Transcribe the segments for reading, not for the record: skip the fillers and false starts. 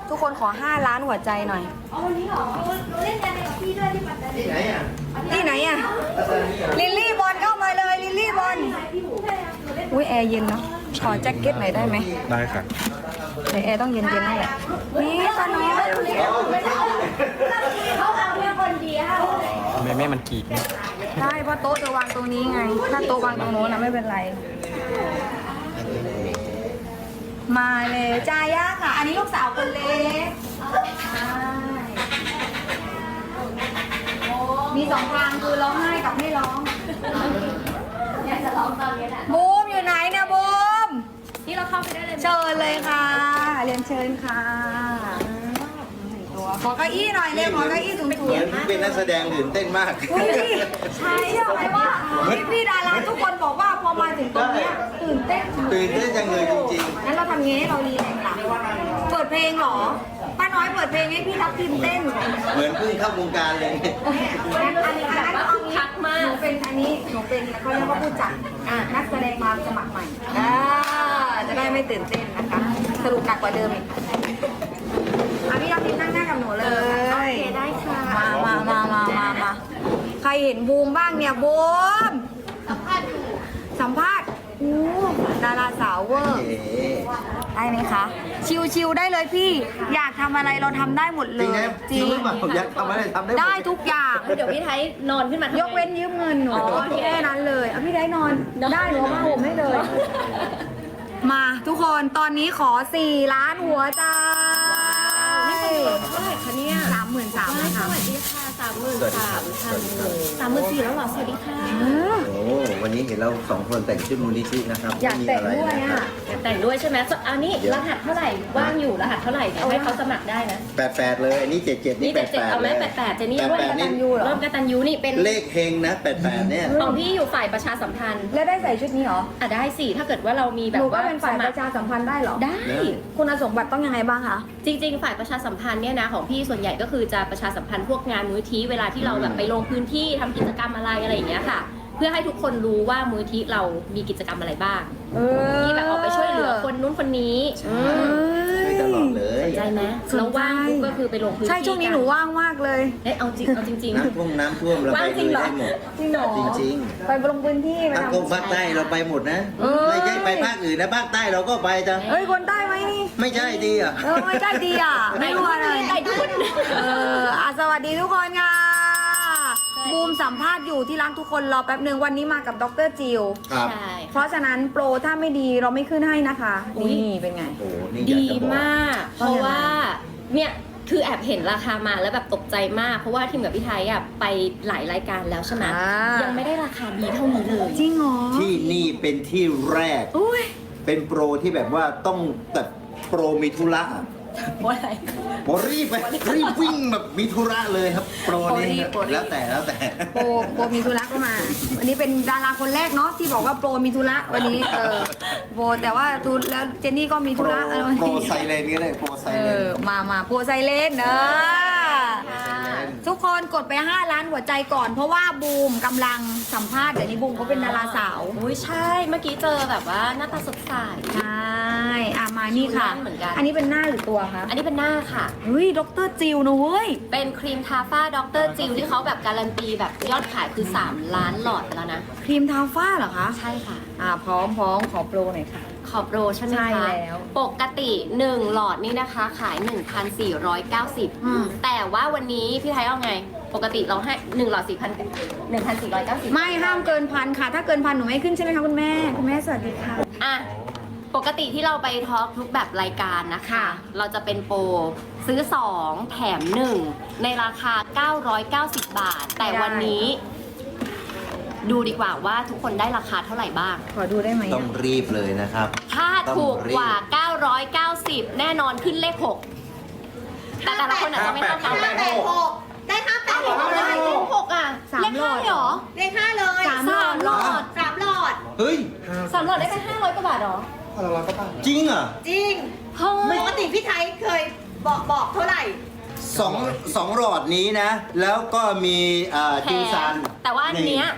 ทุกคนขอ5 ล้านหัวใจหน่อยเอาวันนี้เหรอหนูเล่นกันกับพี่ด้วยที่ปัตตานีที่ไหนอ่ะที่ไหนอะลิลลี่บอลเข้ามาเลยลิลลี่บอลอุ้ยแอร์เย็นเนาะขอแจ็คเก็ตหน่อยได้ไหมได้ค่ะในแอร์ต้องเย็นๆนั่นแหละนี่ตอนนี้เขาเอาเรื่องคนเดียวแม่มันกรีดเนี่ยใช่เพราะโต๊ะจะวางตรงนี้ไงถ้าโต๊ะวางตรงโน้นนะไม่เป็นไร มาเลยจาย่าค่ะ อันนี้ลูกสาวคนเล็กใช่มี2 ทางคือร้องไห้กับไม่ร้องอยากจะลองตอนนี้แหละบูมอยู่ไหนเนี่ยบูมที่เราเข้าไปได้เลยเชิญเลยค่ะเรียนเชิญค่ะตัวขอเก้าอี้หน่อยเร็วขอเก้าอี้สูงเหมือนเป็นนักแสดงตื่นเต้นมากๆอุ้ยใช่เชื่อไหมว่าพี่ดาราทุกคนบอกว่าพอมาถึงตรงเนี้ยตื่นเต้นตื่นเต้นจังเลยจริงงั้นเราทำงี้ให้เรารีแลกซ์ล่ะเปิดเพลงเหรอป้าน้อยเปิดเพลงให้พี่ทับทิมเต้นๆ เหมือนเพิ่งเข้าวงการเลยอันนี้คักมากหนูเป็นอันนี้หนูเป็นเขาเรียกว่าผู้จัดนักแสดงมาสมัครใหม่จะได้ไม่ตื่นเต้นนะคะ สรุปหนักกว่าเดิมอีกพี่ทับทิมนั่งหน้ากับหนูเลยโอเคได้ค่ะมาใครเห็นบูมบ้างเนี่ยบูมสัมภาษณ์อู้ดาราสาวเวอร์ ได้ไหมคะ ชิวๆได้เลยพี่ อยากทำอะไรเราทำได้หมดเลจริงยไหมจริงหรือเปล่าอยากทำอะไรทำได้หมได้ทุกอย่างเดี๋ยวพี่ไทยนอนขึ้นมายกเว้นยืมเงินหนูแค่นั้นเลยเอาพี่ได้นอนได้หนูมาห่มให้เลย มาทุกคนตอนนี้ขอ4 ล้านหัวใจเท่าไหร่คะเนี่ย 33,000ค่ะสวัสดีค่ะ33,000แล้วเหรอสวัสดีค่ะโอ้วันนี้เห็นเรา2 คนแต่งชุดมูลนิธินะครับอยากแต่งด้วยไม่มีอ่ะแต่งด้วยใช่ไหมอันนี้รหัสเท่าไหร่ว่างอยู่รหัสเท่าไหร่เดี๋ยวให้เขาสมัครได้นะ 88เลยอันนี้77นี่นี่77 88 เอาไหมเลย 88เจนี่ร่วม 88 กนี่ตัญญูเหรอร่วมกตัญญูนี่เป็นเลขเฮงนะ88เนี่ยของพี่อยู่ฝ่ายประชาสัมพันธ์แล้วได้ใส่ชุดนี้เหรออ่ะได้สิถ้าเกิดว่าเรามีแบหนูบก็ว่าเป็นฝ่ายสปมัคระชาสัมพันธ์ได้เหรอได้คุณสมบัติต้องยังไงบ้างคะจริงๆ ฝ่ายประชาสัมพันธ์เนี่ยนะของพี่ส่วนใหญ่ก็คือจะประชาสัมพันธ์พวกงานมูลที่เวลาที่เราแบบไปลงพื้นที่ทำกิจกรรมอะไรอย่างเงี้ยค่ะ เพื่อให้ทุกคนรู้ว่ามูลที่เรามีกิจกรรมอะไรบ้างที่แบบออกไปช่วยเหลือคนนู้นคนนี้ช่วยตลอดเลยสนใจไหมสนใจแล้วว่างปุ๊บก็คือไปลงพื้นที่ใช่ช่วงนี้หนูว่างมากเลยเอ้ยเอาจริงน้ำท่วมเราว่าไปงจริลุงยเหรอได้หมดจริงเหรอจริงไปลงพื้นที่ๆไปภาคทำภาคใต้เราไปหมดนะ ไม่ใช่ไปภาคอื่นนะภาคใต้เราก็ไปจ้ะเอ้ยคนใต้ไหมนี่ไม่ใช่ดีอ่ะไม่ใช่ดีอ่ะๆไม่รู้อะไรไก่ดุนสวัสดีทุกคนค่ะบูมสัมภาษณ์อยู่ที่ร้านทุกคนรอแป๊บหนึ่งวันนี้มากับดรจิวครับใช่เพราะฉะนั้นโปรถ้าไม่ดีเราไม่ขึ้นให้นะคะอุ๊ยนี่เป็นไงโอ้โหนี่อยากดีจะบอกมาก เพราะว่าเนี่ยคือแอบเห็นราคามาแล้วแบบตกใจมาก เพราะว่าทีมกับพี่ไทยอ่ะไปหลายรายการแล้วใช่ไหมอ่ายัยังไม่ได้ราคาดีเท่านี้เลยจริงเหรอที่นี่เป็นที่แรกอุ้ยเป็นโปรที่แบบว่าต้องแบบโปรมีธุระว่าอะไรโปรรีบไปรีบวิ่งแบบมีธุระเลยครับ โปรนี้โปรรีบแล้วแต่โปรมีธุระก็มา วันนี้เป็นดาราคนแรกเนาะที่บอกว่าโปรมีธุระวันนี้โปรแต่ว่าทุนแล้วเจนนี่ก็มีโปธุรระวันโปรนี้ไซเลนก็ได้โปรไซเลนมาโปรไซเลนทุกคนกดไป5 ล้านหัวใจก่อน เพราะว่าบูมกำลังสัมภาษณ์เดี๋ยวนี้บูมเขาเป็นดาราสาวอุ้ยใช่ เมื่อกี้เจอแบบว่าหน้าตาสดใสใช่มานี่ค่ะเหมือนกันอันนี้เป็นหน้าหรือตัวคะอันนี้เป็นหน้าค่ะเฮ้ยดรจิวนะเว้ยเป็นครีมทาฝ้าดรจิวที่เขาแบบการันตีแบบยอดขายคือ 3 ล้านหลอดไปแล้วนะครีมทาฝ้าเหรอคะใช่ค่ะพร้อมขอโปรหน่อยค่ะขอบโปรใช่ไหมใช่คะแล้วปกติ 1 หลอดนี่นะคะขายอืม 1,490 แต่ว่าวันนี้พี่ไทยเอาไง ปกติเราให้ 1 หลอด 1,490 ไม่ห้ามเกิน1,000ค่ะ ถ้าเกิน1,000หนูไม่ขึ้นใช่ไหมคะคุณแม่สวัสดีค่ะอ่ะ ปกติที่เราไปทอล์กทุกแบบรายการนะคะค่ะเราจะเป็นโปรซื้อ 2 แถม 1 ในราคา 990 บาท แต่วันนี้ ดูดีกว่าว่าทุกคนได้ราคาเท่าไหร่บ้างขอดูได้ไหมต้องรีบเลยนะครับถ้าถูกกว่า 990 แน่นอนขึ้นเลข 6 แต่ละคนอาจจะไม่เท่ากัน 586ได้586 ได้เลข6อ่ะสามเลขหลอด 5เหรอเลข5เลยสาม 3 หลอด 3หลอดเฮ้ย 3 หลอดได้ไป500 กว่าบาทเหรอจริงเหรอ่ะจริงเฮ้ยปกติพี่ไทยเคยบอกเท่าไหร่สองหลอดนี้นะ แล้วก็มีจิวซันแต่ว่าอันเนี้ย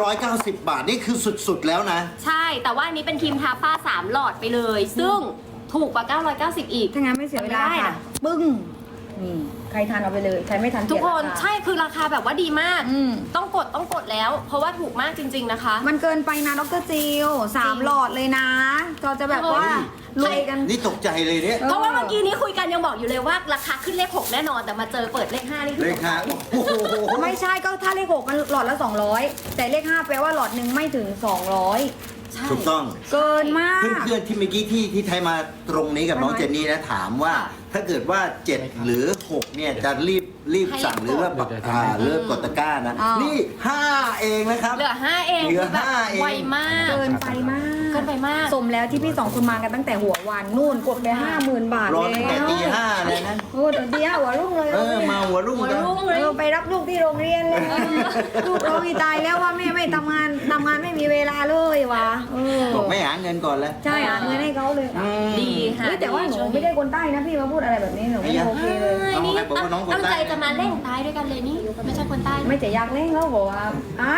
990 บาท นี่คือสุดๆแล้วนะใช่ แต่ว่าอันนี้เป็นครีมทาฝ้า3 หลอดไปเลย ซึ่งถูกกว่า 990 อีกถ้างั้นไม่เสียเวลาไม่ได้ค่ะนะปึ้งนี่ใครทานเอาไปเลยใครไม่ทานทุกคนเสียราาใช่คือราคาแบบว่าดีมากอืมต้องกดแล้ว เพราะว่าถูกมากจริง ๆนะคะมันเกินไปนะดรจิว3 หลอดเลยนะเราจะแบบว่าเฮ้ยรวยกันนี่ตกใจเลยเนี่ยเพราะว่าเมื่อกี้นี้คุยกันยังบอกอยู่เลยว่าราคาขึ้นเลข 6 แน่นอนแต่มาเจอเปิดเลข 5 นี่คือเลยค่ะโอ้โหไม่ใช่ก็ถ้าเลข6มันหลอดละ 200 แต่เลข 5 แปลว่าหลอดหนึ่งไม่ถึง 200 ใช่ถูกต้องเกินมากเพื่อนๆที่เมื่อกี้ที่ไทยมาตรงนี้กับน้องเจนนี่นะถามว่าถ้าเกิดว่า 7 หรือ 6 เนี่ยจะรีบสั่งหรือว่าเริ่มกดตะกร้านะอ้าวนี่ 5 เองนะครับเหลือ 5 เองเหลือคือแบบ 5เองไวมากเกินไปมากเกินไปมากสมแล้วที่พี่2คนมากันตั้งแต่หัววันนู่นกดไป 50,000 บาทรอแล้ตั้งแต่วตี 5 เลยนะโอ้เดี๋ยวตีห้าหัวรุ่งเลยมาหัวรุ่งหัวกันรุ่งเลยไปรับลูกที่โรงเรียนเลยลูกร้องอีตายแล้วว่าแม่ไม่ทำงานไม่มีเวลาเลยวะเบอกไม่หาเงินก่อนแล้วใช่หาเงินให้เขาเลยดีค่ะเฮ้ยแต่ว่าหนูไม่ได้คนใต้นะพี่มาพูดอะไรแบบนี้หนูไม่โอเคเลยใช่นี่เอาใครบอกว่าน้องคนตั้งใต้ใจจะมาเล่นใต้ด้วยกันเลยนี่ไม่ใช่คนใต้ไม่จะอยากเล่นเขาบอกว่าไอ้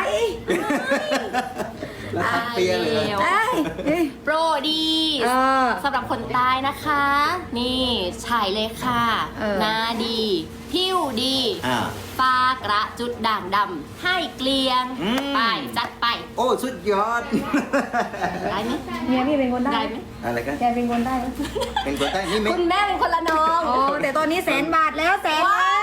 แล้วทักเปียเลยแล้วไอ้เอ้ยโปรดีเออสำหรับคนใต้นะคะ นี่ฉายเลยค่ะเออหน้าดี ผิวดีอ่าฟ้ากระจุดด่างดำให้เกลียงอืมไปจัดไปโอ้สุดยอดได้ไหมเมียพี่เป็นคนใต้ได้ไหมอะไรกันแกเป็นคนใต้ไหมเป็นคนใต้นี่ไม่คุณแม่เป็นคนละน้องอ๋อแต่ตอนนี้100,000 บาทแล้ว100,000 ว้าว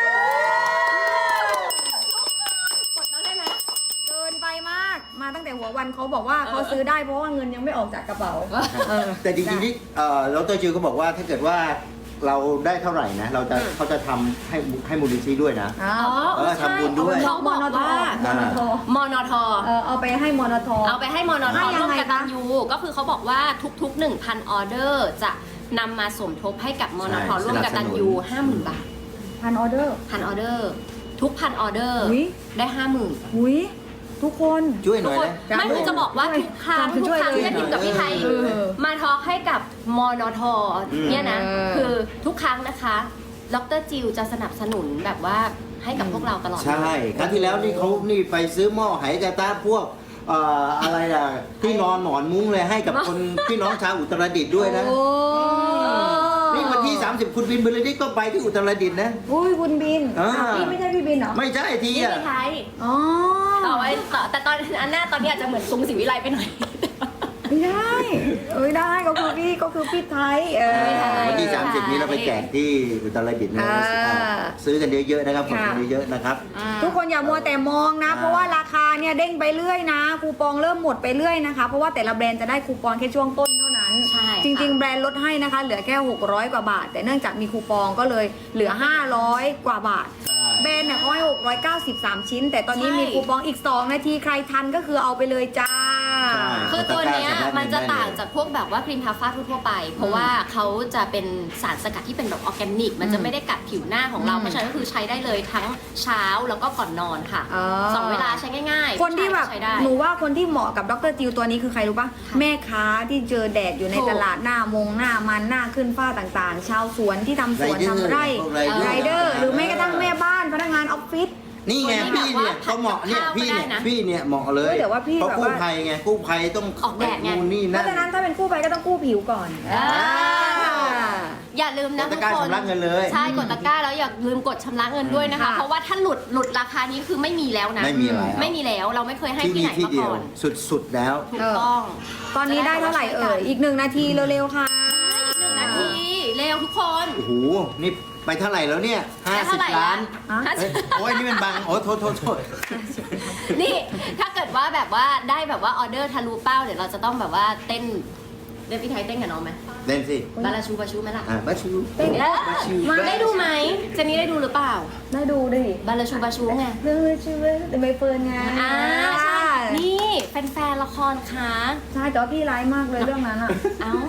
กดมาได้ไหมเกินไปมากมาตั้งแต่หัววันเขาบอกว่าเขาซื้อได้เพราะว่าเงินยังไม่ออกจากกระเป๋าแต่จริงๆที่ดรจิวก็บอกว่าถ้าเกิดว่าเราได้เท่าไหร่นะเขาจะทำให้มูลนิธิด้วยนะอ๋อทำบุญด้วยเขาบอกว่า มนทเอาไปให้มนทเอาไปให้มนทให้ยัร่วงมไงกตัญญูก็คือเขาบอกว่าทุกๆ 1,000 ออเดอร์จะนำมาสมทบให้กับมนทใช่ร่วมกตัญญู 50,000 บาท 1,000 ออเดอร์ 1,000 ออเดอร์ ทุก 1,000 ออเดอร์อุ๊ยได้ 50,000 อุ้ยทุกคนช่วยหทุน่กอยคนนะไม่คือจะบอกว่าทุกครั้งช่วยที่เลยพิมกับพี่ไทยเออมาทอล์กให้กับมนทเนี่ยนะเออคือทุกครั้งนะคะดรจิวจะสนับสนุนแบบว่าให้กับพวกเราตลอดใช่ครั้งที่แล้วนี่เขานี่ไปซื้อหม้อไหกระตาพวกอะไรอ่ะที่นอนหมอนมุ้งเลยให้กับคน พี่น้องชาวอุตรดิตถ์ด้วยนะโอ้นี่วันที่ 30 คุณบินบรรลือฤทธิ์ก็ไปที่อุตรดิตถ์นะอุ้ยคุณบินอ่าพี่ไม่ใช่พี่บินเหรอไม่ใช่ทีนี่อ่ะพี่ไทยอ๋อต่อไว้ต่อแต่ตอนอันหน้าตอนนี้อาจจะเหมือนซุงศรีวิไลไปหน่อยไม่ได้ได้ก็คือพี่ไทยวันที่ใช่ 30 นี้เราไปแจกที่อุตรดิตถ์นะ ซื้อกันเยอะๆนะครับกดกันเยอะๆนะครับทุกคนอย่ามัวแต่มองนะ เพราะว่าราคาเนี่ยเด้งไปเรื่อยนะคูปองเริ่มหมดไปเรื่อยนะคะเพราะว่าแต่ละแบรนด์จะได้คูปองแค่ช่วงต้นเท่านั้นใช่จริงๆแบรนด์ลดให้นะคะ เหลือแค่600 กว่าบาท แต่เนื่องจากมีคูปองก็เลยเหลือ500 กว่าบาทใช่แบรนด์เนี่ยเขาให้693 ชิ้น แต่ตอนนี้ใช่มีคูปองอีก 2 นาทีใครทันก็คือเอาไปเลยจ้าใช่คือตัวเนี้ยมันจะต่างจากพวกแบบว่าครีมทาฟ้าทั่วๆไป เพราะว่าเขาจะเป็นสารสกัดที่เป็นแบบออร์แกนิก มันจะไม่ได้กัดผิวหน้าของเราอืมเพราะฉะนั้นก็คือใช้ได้เลยทั้งเช้าแล้วก็ก่อนนอนค่ะ สองเวลาใช้ง่ายๆคนที่แบบใช้ได้หนูว่าคนที่เหมาะกับดรจิวตัวนี้คือใครรู้ปะค่ะแม่ค้าที่เจอแดดอยู่ในถูกตลาดหน้ามงหน้ามันหน้าขึ้นฝ้าต่างๆ ชาวสวนที่ทำสวนไรเดอร์ทำไร่พวกไรเดอร์ไรเดอร์ หรือแม้กระทั่งแม่บ้านพนักงานออฟฟิศนี่ไงคนที่พี่แบบเนี่ยว่าเขาเหมาะเนี่ยผัดกับพี่เนี่ยข้าวก็ได้นะพี่เนี่ยเหมาะเลยเฮ้ยแต่ว่าพี่เพราะแบบกู้ว่าภัยไงกู้ภัยต้องออกแดดไงนู่นนี่เพนั่นราะฉะนั้นถ้าเป็นกู้ภัยก็ต้องกู้ผิวก่อนอย่าลืมนะกดทุตะกกร้าคนชำระเงินเลยใช่กดตะกร้าแล้วอย่าลืมกดชำระเงินด้วยนะคะค่ะเพราะว่าถ้าหลุดราคานี้คือไม่มีแล้วนะไม่มีแล้วไม่มีแล้วเราไม่เคยให้ที่ที่นี่ไหนที่มาเดียก่วอนสุดๆแล้วถูกต้องตอนนี้ได้เท่าไหร่อีก1 นาทีเร็วๆค่ะ 1 นาทีเร็วทุกคนโอ้โหนี่ไปเท่าไหร่แล้วเนี่ยได้เท่าไหร่ 50 ล้านฮะเอ้ยโอ้ยนี่มันบังโอ้โทษนี่ถ้าเกิดว่าแบบว่าได้แบบว่าออเดอร์ทะลุเป้าเดี๋ยวเราจะต้องแบบว่าเต้นพี่ไทยเต้นกับน้องไหมเล่นสิบาลาชูบาชูไหมล่ะบัชชูเต้นบัชชูมาได้ดูไหมเจนนี่ได้ดูหรือเปล่าได้ดูดิบาลาชูบาชูไงเรื่องชื่อแต่ใบเฟิร์นไงอ่าใช่นี่แฟนๆละครคะใช่แต่ว่าพี่ร้ายมากเลยเรื่องนั้นอ่ะเอ้า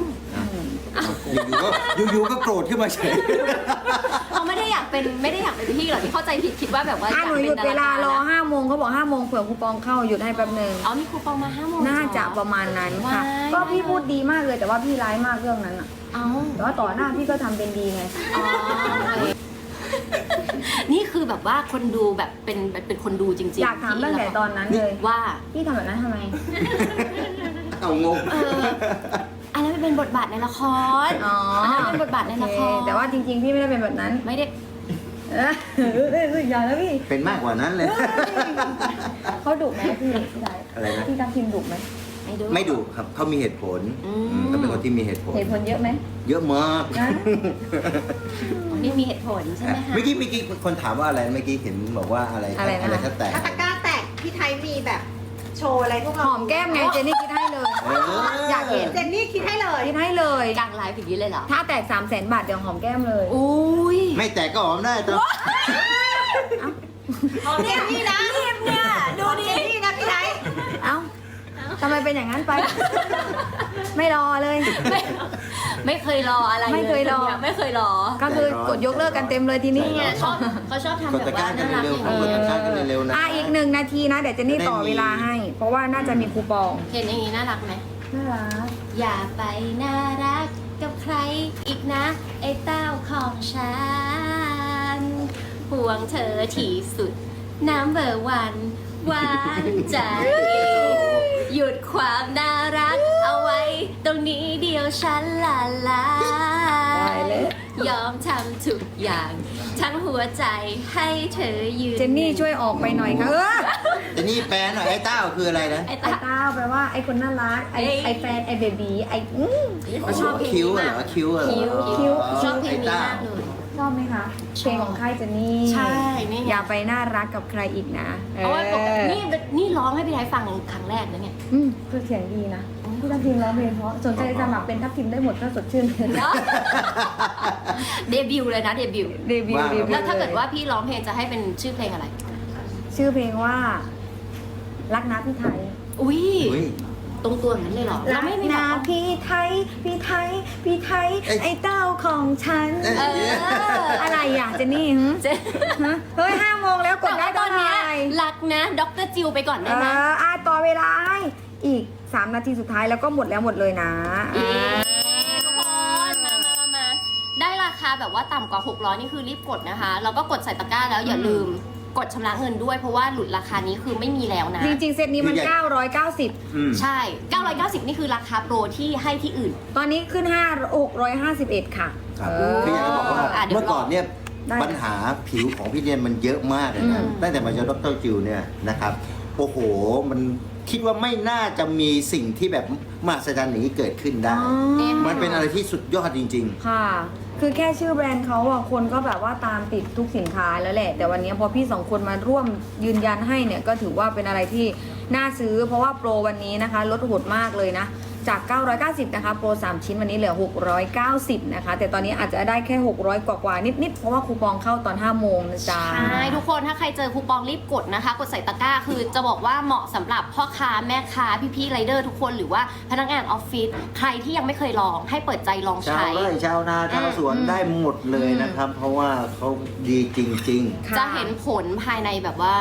อยู่ๆก็โกรธขึ้นมาเฉยเขาไม่ได้อยากเป็นพี่หรอกที่เข้าใจผิดคิดว่าแบบว่าอยากหนูหเป็ยุนดดาเวลารารอนะ 5 โมงเขาบอก5 โมงเผื่อคูปองเข้าหยุดให้แป๊บหนึ่งอ๋อมีคูปองมา5 โมงน่าจะประมาณนั้นค่ะว้ายก็พี่พูดดีมากเลยแต่ว่าพี่ร้ายมากเรื่องนั้นอ่ะเอ้าแต่ว่าต่อหน้าพี่ก็ทำเป็นดีไงอ๋อนี่คือแบบว่าคนดูแบบเป็นคนดูจริงๆอยากถามตั้งแต่ตอนนั้นเลยว่าพี่ทำแบบนั้นทำไมเอางงอะไรไม่เป็นบทบาทในละครอ๋ออันนั้นเป็นบทบาทในละครโอเแต่ว่าจริงๆ พี่ไม่ได้เป็นแบบนั้นไม่ได้อย่าแล้วพี่เป็นมากกว่านั้นเลยเขาดุไหมพี่ชายอะไรนะพี่ทัพทิมดุไหมไม่ดุครับเขามีเหตุผลเขาเป็นคนที่มีเหตุผลเหตุผลเยอะไหมเยอะมากนะนี่มีเหตุผลใช่ไหมคะเมื่อกี้คนถามว่าอะไรเมื่อกี้เห็นบอกว่าอะไรอะไรนะอะไรถ้าแตกถ้าตะกร้าแตกพี่ไทยมีแบบโชว์อะไรพวกหเราอมแก้มไงเจนนี่คิดให้เลย อยากเห็นเจนนี่คิดให้เลยคิดให้เลยกลางไลฟ์อย่างนี้เลยเหรอถ้าแตก300,000 บาทเดี๋ยวหอมแก้มเลยอุ้ยไม่แตกก็หอมได้ตัวเจนนี่นะเนี่ยดูดิเจนนี่นะพี่ไทยเอ้าทำไมเป็นอย่างนั้นไป ไม่รอเลยไม่เคยรออะไรไม่เคยรอนี่ไม่เคยรอก็คือกดยกเลิกกันเต็มเลยทีนี้นี่ไงชอบเขาชอบทำกดแบบตะกร้าว่ากันน่ารักเร็วอย่างๆกดนี้ตะกร้ากันเร็วๆนะอีก1 นาทีนะ เดี๋ยวเจนนี่ต่อเวลาให้ เพราะว่าน่าจะมีคูปองเห็นอย่างนี้น่ารักไหมน่ารักอย่าไปน่ารักกับใครอีกนะไอ้เต้าของฉันห่วงเธอที่สุดน้ำเบอร์วันหวานใจ หยุดความน่ารักเอาไว้ ตรงนี้เดียวฉันละลาได้เลยยอมทำทุกอย่าง ทั้งหัวใจให้เธอยืนเจนนี่ช่วยออกไปหน่อยค่ะแต่นี่แปลหน่อยไอ้เต้าคืออะไรนะไอ้ไอ้ตาเต้าแปลว่าไอ้คนน่ารัก ไอ้แฟน ไอ้เบบีไอ้เขาชอบเพลงคิ้นี้วเหรมากอคิ้วเหรอคิ้วชอบเพลงนี้ไต้มากเลยชอบไหมคะเพลงของค่ายเจนนี่ใช่นี่ไงอย่าไปน่ารักกับใครอีกนะเพราะว่าปกตินี่ร้องให้พี่ไทยฟังครั้งแรกนะเนี่ยคือเสียงดีนะพี่ทัพทิมร้องเพลงเพราะสนใจสมัครเป็นทัพทิมได้หมดถ้าสดชื่นเลยเดบิวต์เลยนะเดบิวต์เดบิวต์เดบิวต์แล้วถ้าเกิดว่าพี่ร้องเพลงจะให้เป็นชื่อเพลงอะไรชื่อเพลงว่ารักนะพี่ไทยอุ้ยอุ๊ยตรงตัวอย่างนั้นเลยเหรอรักไม่มีนะแบบพี่ไทย พี่ไทย พี่ไทยเอ้ยไอ้เต้าของฉันเอ้ยเอออะไรอ่ะเจนนี่หึเจ๊ฮะเฮ้ย5 โมงแล้วกแต่ดได้ว่าตตออน นเนี้ไหยรักนะดรจิวไปก่อนได้ไหมต่อเวลาให้อีก 3 นาทีสุดท้ายแล้วก็หมดแล้วหมดเลยนะทุกคนมาได้ราคาแบบว่าต่ำกว่า600นี่คือรีบกดนะคะแล้วก็กดใส่ตะกร้าแล้วอย่าลืมกดชำระเงินด้วยเพราะว่าหลุดราคานี้คือไม่มีแล้วนะจริงๆ เซตนี้มันคือใหญ่ 990 อืมใช่ 990 นี่คือราคาโปรที่ให้ที่อื่นตอนนี้ขึ้น651 ค่ะครับเออคืออยากจะบอกว่าเดี๋ยวเมื่อก่อนเนี่ยได้ปัญหาผิวของพี่เดียนมันเยอะมากเลยนะอืมตั้งแต่มาเจอดรจิวเนี่ยนะครับโอ้โหมันคิดว่าไม่น่าจะมีสิ่งที่แบบมหัศจรรย์อย่างนี้เกิดขึ้นได้อ๋อมันเป็นอะไรที่สุดยอดจริงค่ะ คือแค่ชื่อแบรนด์เขาอ่ะคนก็แบบว่าตามติดทุกสินค้าแล้วแหละ แต่วันนี้พอพี่2 คนมาร่วมยืนยันให้เนี่ยก็ถือว่าเป็นอะไรที่น่าซื้อ เพราะว่าโปรวันนี้นะคะลดโหดมากเลยนะ จาก 990 นะคะ โปร 3 ชิ้นวันนี้เหลือ 690 นะคะ แต่ตอนนี้อาจจะได้แค่ 600 กว่าๆนิดๆ เพราะว่าคูปองเข้าตอน 5 โมงนะจ๊ะใช่ทุกคนถ้าใครเจอคูปองรีบกดนะคะ กดใส่ตะกร้าคือจะบอกว่าเหมาะสำหรับพ่อค้าแม่ค้าพี่ๆไรเดอร์ทุกคนหรือว่าพนักงานออฟฟิศใครที่ยังไม่เคยลองให้เปิดใจลองๆ ชาวใช้ไร่ชาวนาชาวสวนได้หมดเลยนะครับ เพราะว่าเขาดีจริงค่ะจะเห็นผลภายในแบบว่า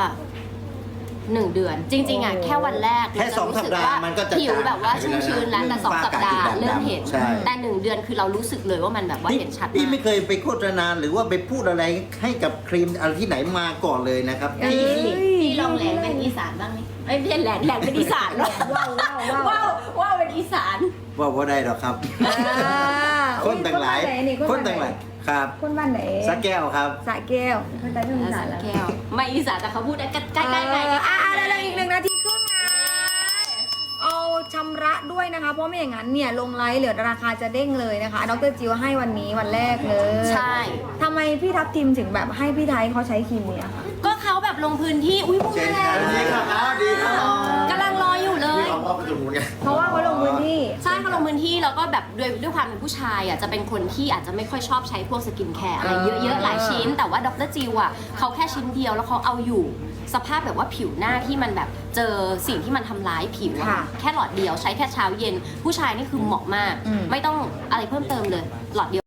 1 เดือน จริงๆอ่ะโอ้แค่วันแรกแค่เราจะรู้สึก 2 สัปดาห์ว่ามันก็จะผิวแบบว่าชุ่มชื้นแล้วแต่ฝ้า 2 สัปดาห์กระจุดด่างเริ่มเห็นใช่แต่ 1 เดือนคือเรารู้สึกเลยว่ามันแบบว่าๆเห็นชัดพี่มาไม่กเคยไปโฆษณาหรือว่าไปพูดอะไรให้กับครีมอะไรที่ไหนมาก่อนเลยนะครับเอ้ยพี่ลองแหลนเป็นอีสานบ้างไหมไม่ใช่แหลนเป็นอีสานหรอกว้าวว้าวว้าวว้าวเป็นอีสานว่าได้หรอกครับ คนต่างหลาย คนต่างหลายครับคนบ้านไหนสักแก้วครับสระแก้วคนใต้ที่อีสานแล้วแก้วไม่อีสานแต่เขาพูดได้ใกล้ๆใกล้ๆเร็วๆอีก1 นาทีครึ่งนะ เอาชำระด้วยนะคะ เพราะไม่อย่างนั้นเนี่ยลงไลฟ์เหลือราคาจะเด้งเลยนะคะดรจิวให้วันนี้วันแรกเลยใช่ทำไมพี่ทัพทิมถึงแบบให้พี่ไทยเขาใช้ครีมเนี่ยคะก็เขาแบบลงพื้นที่อุ้ยพวกเชิญมาคแล้รับวดีครับดีครับกำลังรออยู่เลยเพราะว่าเขาลงพื้นที่ใช่เขาลงพื้นที่แล้วก็แบบด้วยความเป็นผู้ชายอ่ะจะเป็นคนที่อาจจะไม่ค่อยชอบใช้พวกสกินแคร์อะไรเยอะๆหลายชิ้น แต่ว่าดรจิวอ่ะเขาแค่ชิ้นเดียวแล้วเขาเอาอยู่ สภาพแบบว่าผิวหน้าที่มันแบบเจอสิ่งที่มันทำร้ายผิวอะค่ะแค่หลอดเดียวใช้แค่เช้าเย็น ผู้ชายนี่คือเหมาะมากอืมไม่ต้องอะไรเพิ่มเติมเลยหลอดเดียว